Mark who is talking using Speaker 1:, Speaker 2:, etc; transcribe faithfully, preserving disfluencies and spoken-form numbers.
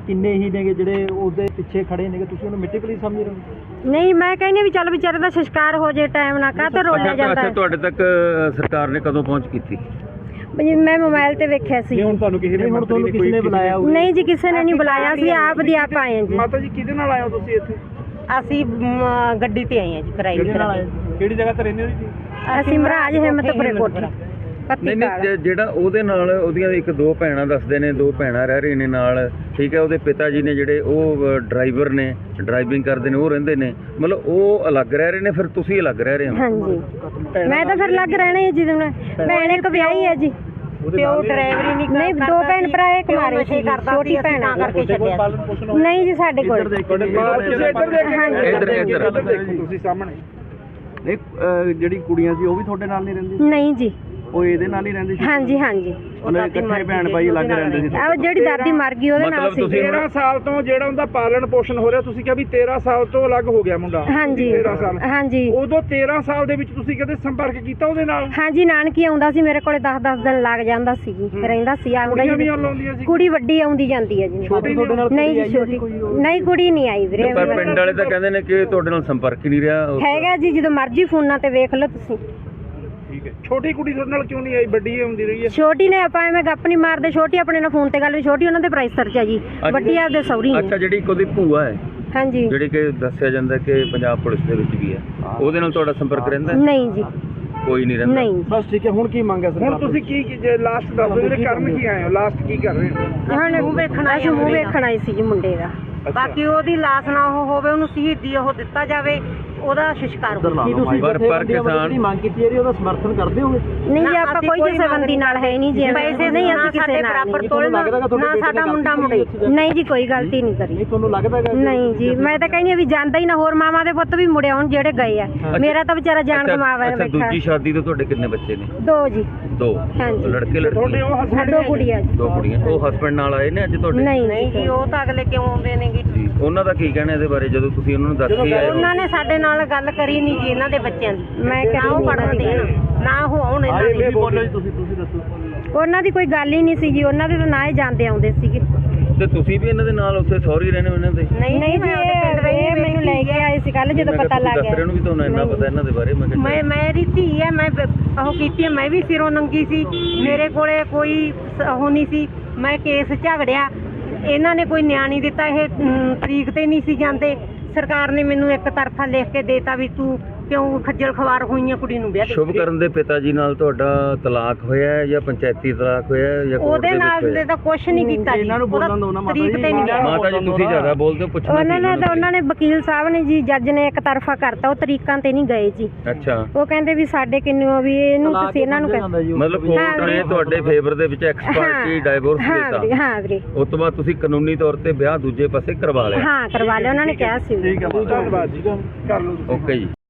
Speaker 1: ਕਿੰਨੇ ਹੀ ਨੇਗੇ ਜਿਹੜੇ ਉਹਦੇ ਪਿੱਛੇ ਖੜੇ ਨੇਗੇ, ਤੁਸੀਂ ਉਹਨੂੰ ਮਿੱਟੀ ਪਲੀਜ਼ ਸਮਝ ਰਹੇ ਹੋ?
Speaker 2: ਨਹੀਂ, ਮੈਂ ਕਹਿੰਦੀ ਵੀ ਚੱਲ ਵਿਚਾਰੇ ਦਾ ਸੰਸਕਾਰ ਹੋ ਜੇ ਟਾਈਮ ਨਾ ਕਾਹ ਤੇ ਰੋਲਿਆ ਜਾਂਦਾ ਹੈ।
Speaker 3: ਤੁਹਾਡੇ ਤੱਕ ਸਰਕਾਰ ਨੇ ਕਦੋਂ ਪਹੁੰਚ ਕੀਤੀ?
Speaker 2: ਮੈਂ ਮੋਬਾਈਲ ਤੇ ਵੇਖਿਆ ਸੀ।
Speaker 1: ਹੁਣ ਤੁਹਾਨੂੰ ਕਿਸੇ ਨੇ ਹੁਣ ਤੁਹਾਨੂੰ ਕਿਸੇ ਨੇ ਬੁਲਾਇਆ?
Speaker 2: ਨਹੀਂ ਜੀ, ਕਿਸੇ ਨੇ ਨਹੀਂ ਬੁਲਾਇਆ, ਅਸੀਂ ਆਪ ਦੀ ਆਪ ਆਏ ਹਾਂ ਜੀ।
Speaker 1: ਮਾਤਾ ਜੀ ਕਿਹਦੇ ਨਾਲ ਆਏ ਹੋ ਤੁਸੀਂ ਇੱਥੇ?
Speaker 4: ਅਸੀਂ ਗੱਡੀ ਤੇ ਆਏ ਹਾਂ ਜੀ, ਕਿਰਾਏ ਤੇ।
Speaker 1: ਕਿਹੜੀ ਜਗ੍ਹਾ ਤੇ ਰਹਿੰਦੇ ਹੋ ਜੀ?
Speaker 2: ਅਸੀਂ ਮਹਾਰਾਜ ਹਿੰਮਤਪੁਰੇ ਕੋਠੀ।
Speaker 3: ਨਹੀਂ ਨਹੀਂ, ਜਿਹੜਾ ਉਹਦੇ ਨਾਲ ਉਹਦੀਆਂ ਇੱਕ ਦੋ ਭੈਣਾਂ ਦੱਸਦੇ ਨੇ, ਦੋ ਭੈਣਾਂ ਰਹਿ ਰਹੀਆਂ ਨੇ ਨਾਲ, ਠੀਕ ਹੈ। ਉਹਦੇ ਪਿਤਾ ਜੀ ਨੇ ਜਿਹੜੇ ਉਹ ਡਰਾਈਵਰ ਨੇ, ਡਰਾਈਵਿੰਗ ਕਰਦੇ ਨੇ, ਉਹ ਰਹਿੰਦੇ ਨੇ, ਮਤਲਬ ਉਹ ਅਲੱਗ ਰਹਿ ਰਹੇ ਨੇ, ਫਿਰ ਤੁਸੀਂ ਅਲੱਗ ਰਹਿ ਰਹੇ ਹੋ?
Speaker 2: ਹਾਂਜੀ, ਮੈਂ ਤਾਂ ਫਿਰ ਅਲੱਗ ਰਹਿਣਾ ਹੈ ਜੀ। ਭੈਣ ਇੱਕ ਵਿਆਹੀ ਹੈ ਜੀ,
Speaker 4: ਪਿਓ ਡਰਾਈਵਰੀ ਨਹੀਂ
Speaker 2: ਨਹੀਂ, ਦੋ ਭੈਣ ਭਰਾ ਇੱਕ ਮਾਰੇ ਸੀ, ਛੋਟੀ ਭੈਣ
Speaker 4: ਕਰਕੇ ਛੱਡਿਆ।
Speaker 2: ਨਹੀਂ ਜੀ, ਸਾਡੇ ਕੋਲ
Speaker 3: ਇੱਧਰ ਇੱਧਰ
Speaker 1: ਤੁਸੀਂ ਸਾਹਮਣੇ ਨਹੀਂ, ਜਿਹੜੀ ਕੁੜੀਆਂ ਸੀ ਉਹ ਵੀ ਤੁਹਾਡੇ ਨਾਲ ਨਹੀਂ ਰਹਿੰਦੀ?
Speaker 2: ਨਹੀਂ ਜੀ,
Speaker 1: ਉਹ ਇਹਦੇ ਨਾਲ ਹੀ ਰਹਿੰਦੀ ਸੀ?
Speaker 2: ਹਾਂਜੀ ਹਾਂਜੀ,
Speaker 1: ਉਹਨਾਂ ਦੇ ਇਕੱਠੇ ਭੈਣ ਭਾਈ ਅਲੱਗ ਰਹਿੰਦੇ ਸੀ?
Speaker 2: ਆ ਜਿਹੜੀ ਦਾਦੀ ਮਰ ਗਈ ਉਹਦੇ ਨਾਲ ਸੀ।
Speaker 1: ਤੇਰਾਂ ਸਾਲ ਤੋਂ ਜਿਹੜਾ ਉਹਦਾ ਪਾਲਣ ਪੋਸ਼ਣ ਹੋ ਰਿਹਾ, ਤੁਸੀਂ ਕਿਹਾ ਵੀ ਤੇਰਾਂ ਸਾਲ ਤੋਂ ਅਲੱਗ ਹੋ ਗਿਆ ਮੁੰਡਾ?
Speaker 2: ਹਾਂਜੀ
Speaker 1: ਤੇਰਾਂ ਸਾਲ।
Speaker 2: ਹਾਂਜੀ,
Speaker 1: ਉਦੋਂ ਤੇਰਾਂ ਸਾਲ ਦੇ ਵਿੱਚ ਤੁਸੀਂ ਕਦੇ ਸੰਪਰਕ ਕੀਤਾ ਉਹਦੇ ਨਾਲ?
Speaker 2: ਹਾਂਜੀ, ਨਾਨਕੀ ਆਉਂਦਾ ਸੀ ਮੇਰੇ ਕੋਲੇ, ਦਸ ਦਸ ਦਿਨ ਲੱਗ ਜਾਂਦਾ ਸੀ ਜੀ, ਰਹਿੰਦਾ ਸੀ, ਆਉਂਦਾ ਜੀ। ਕੁੜੀ ਵੱਡੀ ਆਉਂਦੀ ਜਾਂਦੀ ਹੈ ਜੀ। ਨਹੀਂ ਜੀ, ਛੋਟੀ ਨਹੀਂ, ਕੁੜੀ ਨਹੀਂ ਆਈ ਵੀਰੇ।
Speaker 3: ਪਰ ਪਿੰਡ ਵਾਲੇ ਤਾਂ ਕਹਿੰਦੇ ਨੇ ਕਿ ਤੁਹਾਡੇ ਨਾਲ ਸੰਪਰਕ ਹੀ ਨਹੀਂ ਰਿਹਾ।
Speaker 2: ਹੈਗਾ ਜੀ, ਜਦੋਂ ਮਰਜ਼ੀ ਫੋਨਾਂ ਤੇ ਵੇਖ ਲਓ ਤੁਸੀਂ।
Speaker 1: ਠੀਕ ਹੈ, ਛੋਟੀ ਕੁੜੀ ਤੁਹਾਡੇ ਨਾਲ ਕਿਉਂ ਨਹੀਂ ਆਈ? ਵੱਡੀ ਆਉਂਦੀ ਰਹੀ ਹੈ?
Speaker 2: ਛੋਟੀ ਨੇ ਆਪਾਂ ਐਵੇਂ ਗੱਪ ਨਹੀਂ ਮਾਰਦੇ, ਛੋਟੀ ਆਪਣੇ ਨਾਲ ਫੋਨ ਤੇ ਗੱਲ ਵੀ, ਛੋਟੀ ਉਹਨਾਂ ਦੇ ਪ੍ਰਾਈਸ ਸਰਚ ਹੈ ਜੀ, ਵੱਡੀ ਆਪਦੇ ਸੌਰੀ ਨੇ।
Speaker 3: ਅੱਛਾ, ਜਿਹੜੀ ਉਹਦੀ ਭੂਆ ਹੈ,
Speaker 2: ਹਾਂਜੀ,
Speaker 3: ਜਿਹੜੀ ਕਿ ਦੱਸਿਆ ਜਾਂਦਾ ਕਿ ਪੰਜਾਬ ਪੁਲਿਸ ਦੇ ਵਿੱਚ ਵੀ ਹੈ, ਉਹਦੇ ਨਾਲ ਤੁਹਾਡਾ ਸੰਪਰਕ ਰਹਿੰਦਾ?
Speaker 2: ਨਹੀਂ ਜੀ,
Speaker 3: ਕੋਈ ਨਹੀਂ ਰਹਿੰਦਾ।
Speaker 2: ਨਹੀਂ।
Speaker 1: ਬਸ ਠੀਕ ਹੈ। ਹੁਣ ਕੀ ਮੰਗ ਹੈ ਸਰ? ਹੁਣ ਤੁਸੀਂ ਕੀ ਜੇ ਲਾਸਟ ਦੱਸ ਦਿਓ, ਜਿਹੜੇ ਕਰਨ ਕੀ ਆਏ ਹੋ, ਲਾਸਟ ਕੀ ਕਰ ਰਹੇ ਹੋ?
Speaker 2: ਹੁਣ ਮੂੰਹ ਵੇਖਣਾ, ਅਸੀਂ ਮੂੰਹ ਵੇਖਣ ਆਏ ਸੀ ਜੀ ਮੁੰਡੇ ਦਾ।
Speaker 4: ਬਾਕੀ ਉਹਦੀ ਲਾਸ਼ ਨਾ ਉਹ ਹੋਵੇ, ਉਹਨੂੰ ਸ਼ਹੀਦੀ ਉਹ ਦਿੱਤਾ ਜਾਵੇ, ਉਹਦਾ ਸੰਸਕਾਰ ਹੋਵੇ।
Speaker 1: ਕੀ ਤੁਸੀਂ
Speaker 3: ਪਰ ਪਰ ਕਿਸਾਨ
Speaker 1: ਦੀ ਮੰਗ ਕੀਤੀ ਹੈ ਉਹਦਾ ਸਮਰਥਨ ਕਰਦੇ ਹੋਗੇ?
Speaker 2: ਨਹੀਂ ਜੀ, ਆਪਾਂ ਕੋਈ ਕਿਸੇ ਬੰਦੀ ਨਾਲ ਹੈ ਨਹੀਂ ਜੀ,
Speaker 4: ਪੈਸੇ
Speaker 2: ਨਹੀਂ ਅਸੀਂ ਕਿਸੇ ਨਾਲ
Speaker 4: ਬਰਾਬਰ ਤੋਲ ਨਾ ਸਾਡਾ ਮੁੰਡਾ ਮੁੰਡੇ।
Speaker 2: ਨਹੀਂ ਜੀ, ਕੋਈ ਗਲਤੀ ਨਹੀਂ ਕਰੀ।
Speaker 1: ਨਹੀਂ ਤੁਹਾਨੂੰ ਲੱਗਦਾ ਹੈ?
Speaker 2: ਨਹੀਂ ਜੀ, ਮੈਂ ਤਾਂ ਕਹਿੰਦੀ ਆ ਵੀ ਜਾਂਦਾ ਹੀ ਨਾ, ਹੋਰ ਮਾਵਾਂ ਦੇ ਪੁੱਤ ਵੀ ਮੁੜੇ ਆਉਣ ਜਿਹੜੇ ਗਏ ਆ। ਮੇਰਾ ਤਾਂ ਵਿਚਾਰਾ ਜਾਨ ਗਵਾਇਆ
Speaker 3: ਅੱਛਾ,
Speaker 2: ਬੈਠਾ।
Speaker 3: ਦੂਜੀ ਸ਼ਾਦੀ ਤੋਂ ਤੁਹਾਡੇ ਕਿੰਨੇ ਬੱਚੇ ਨੇ?
Speaker 2: ਦੋ ਜੀ।
Speaker 3: ਦੋ?
Speaker 2: ਹਾਂਜੀ।
Speaker 3: ਲੜਕੇ ਲੜਕੀ?
Speaker 2: ਦੋ ਕੁੜੀਆਂ ਜੀ।
Speaker 3: ਦੋ ਕੁੜੀਆਂ। ਉਹ ਹਸਬੰਡ ਨਾਲ ਆਏ ਨੇ ਅੱਜ ਤੁਹਾਡੇ?
Speaker 2: ਨਹੀਂ
Speaker 4: ਨਹੀਂ ਜੀ, ਉਹ ਤਾਂ ਅਗਲੇ ਕਿਉਂ ਆਉਂਦੇ ਨੇਗੇ
Speaker 3: ਜੀ, ਉਹਨਾਂ ਦਾ ਕੀ ਕਹਿਣਾ ਇਹਦੇ ਬਾਰੇ ਜਦੋਂ ਤੁਸੀਂ ਉਹਨਾਂ ਨੂੰ ਦੱਸ ਕੇ ਆਏ?
Speaker 4: ਉਹਨਾਂ ਨੇ ਸਾਡੇ ਨਾਲ ਗੱਲ ਕਰੀ ਨਹੀਂ ਜੀ, ਇਹਨਾਂ ਦੇ ਬੱਚਿਆਂ ਦੀ।
Speaker 2: ਮੈਂ
Speaker 4: ਨਾ ਉਹ ਪੜ੍ਹਨ ਦੇਣ, ਨਾ ਉਹ ਆਉਣ ਇਹਨਾਂ ਦੇ।
Speaker 1: ਬੋਲੋ ਜੀ, ਤੁਸੀਂ ਤੁਸੀਂ ਦੱਸੋ।
Speaker 2: ਉਹਨਾਂ ਦੀ ਕੋਈ ਗੱਲ ਹੀ ਨਹੀਂ ਸੀ ਜੀ, ਉਹਨਾਂ ਦੇ ਤਾਂ ਨਾ ਹੀ ਜਾਂਦੇ ਆਉਂਦੇ ਸੀਗੇ।
Speaker 3: ਤੇ ਤੁਸੀਂ ਵੀ ਇਹਨਾਂ ਦੇ ਨਾਲ ਉੱਥੇ ਸੌਰੀ ਰਹਿੰਦੇ ਹੋ ਇਹਨਾਂ ਦੇ?
Speaker 2: ਨਹੀਂ ਜੀ, ਇਹ ਮੈਨੂੰ ਲੈ ਕੇ ਆਏ ਸੀ ਕੱਲ ਜਦੋਂ ਪਤਾ ਲੱਗ ਗਿਆ।
Speaker 3: ਦੱਸ ਰਹੇ ਨੂੰ ਵੀ ਤੁਹਾਨੂੰ ਇੰਨਾ ਪਤਾ ਇਹਨਾਂ ਦੇ ਬਾਰੇ? ਮੈਂ
Speaker 4: ਮੈਂ ਮੇਰੀ ਧੀ ਹੈ, ਮੈਂ ਉਹ ਕੀਤੀ ਹੈ, ਮੈਂ ਵੀ ਸਿਰੋਂ ਨੰਗੀ ਸੀ, ਮੇਰੇ ਕੋਲੇ ਕੋਈ ਉਹ ਨਹੀਂ ਸੀ, ਮੈਂ ਕੇਸ ਝਗੜਿਆ, ਇਹਨਾਂ ਨੇ ਕੋਈ ਨਿਆਂ ਨਹੀਂ ਦਿੱਤਾ। ਇਹ ਤਰੀਕ ਤੇ ਨਹੀਂ ਸੀ ਜਾਂਦੇ, ਸਰਕਾਰ ਨੇ ਮੈਨੂੰ ਇੱਕ ਤਰਫਾ ਲਿਖ ਕੇ ਦੇਤਾ ਵੀ ਤੂੰ ਕਿਉਂ ਖੱਜਲ ਖਵਾਰ ਹੋਈਆਂ ਕੁੜੀ ਨੂੰ ਵਿਆਹ ਦੇ।
Speaker 3: ਸ਼ੁਭ ਕਰਨ ਦੇ ਪਿਤਾ ਜੀ ਨਾਲ ਤੁਹਾਡਾ ਤਲਾਕ ਹੋਇਆ ਹੈ ਜਾਂ ਪੰਚਾਇਤੀ ਤਲਾਕ ਹੋਇਆ ਹੈ ਜਾਂ
Speaker 4: ਉਹਦੇ ਨਾਲ ਦੇ ਤਾਂ ਕੁਛ ਨਹੀਂ ਕੀਤਾ ਜੀ,
Speaker 1: ਇਹਨਾਂ ਨੂੰ ਬੋਲਣ ਦਿਓ ਨਾ ਮਾਤਾ
Speaker 4: ਤਰੀਕ
Speaker 1: ਜੀ।
Speaker 4: ਤੇ ਨਹੀਂ ਗਿਆ।
Speaker 3: ਮਾਤਾ ਜੀ ਤੁਸੀਂ ਜ਼ਿਆਦਾ ਬੋਲਦੇ ਹੋ, ਪੁੱਛਣਾ
Speaker 2: ਉਹਨਾਂ ਨੇ ਤਾਂ ਉਹਨਾਂ ਨੇ ਵਕੀਲ ਸਾਹਿਬ ਨੇ ਜੀ, ਜੱਜ ਨੇ ਇੱਕ ਤਰਫਾ ਕਰਤਾ, ਉਹ ਤਰੀਕਾਂ ਤੇ ਨਹੀਂ ਗਏ ਜੀ।
Speaker 3: ਅੱਛਾ,
Speaker 2: ਉਹ ਕਹਿੰਦੇ ਵੀ ਸਾਡੇ ਕਿੰਨੂ ਵੀ ਇਹਨੂੰ ਤੁਸੀਂ ਇਹਨਾਂ ਨੂੰ ਕਹਿੰਦੇ।
Speaker 3: ਮਤਲਬ ਕੋਰਟ ਨੇ ਤੁਹਾਡੇ ਫੇਵਰ ਦੇ ਵਿੱਚ ਐਕਸਪਰਟੀ ਡਾਈਵੋਰਸ ਦਿੱਤਾ?
Speaker 2: ਹਾਂ ਵੀਰੇ।
Speaker 3: ਉਸ ਤੋਂ ਬਾਅਦ ਤੁਸੀਂ ਕਾਨੂੰਨੀ ਤੌਰ ਤੇ ਵਿਆਹ ਦੂਜੇ ਪਾਸੇ ਕਰਵਾ ਲਿਆ?
Speaker 2: ਹਾਂ, ਕਰਵਾ ਲਿਆ, ਉਹਨਾਂ ਨੇ ਕਿਹਾ ਸੀ।
Speaker 1: ਠੀਕ ਹੈ, ਧੰਨਵਾਦ ਜੀ, ਕਰ ਲਓ।
Speaker 3: ਓਕੇ ਜੀ।